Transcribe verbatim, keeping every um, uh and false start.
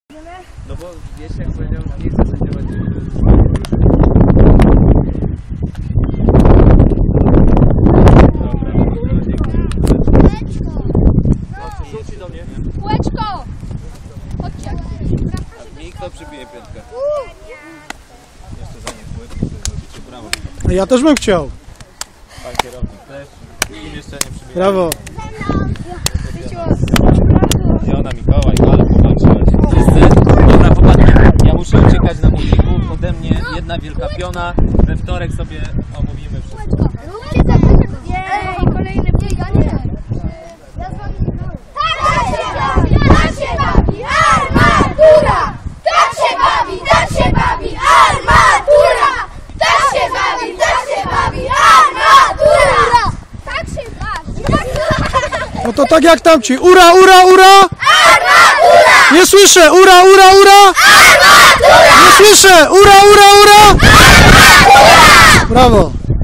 No bo wiesz, jak powiedział, że nie chce sędziować. Rzuci do mnie. Kółeczko! Chodźcie. Mi kto przybije piątkę? Jeszcze za nie kółeczko sobie zrobicie. Brawo. No ja też bym chciał. Pan kierownik też. Im jeszcze nie przybije. Brawo. Zielona Mikołaj, ale popatrzyłeś. Wszyscy? Dobra, popatrzcie. Ja muszę uciekać na multiku. Ode mnie jedna wielka piona. We wtorek sobie omówimy wszystko. Jej, kolejny bieganie. Tak się bawi armatura! Tak się bawi, tak się bawi armatura! Tak się bawi, tak się bawi armatura! Tak się bawi. No to tak jak tamci. Ura, ura, ura! Armatura! Nie słyszę! Ura, ura, ura! Armatura! Nie słyszę! Ura, ura, ura! Armatura! Brawo!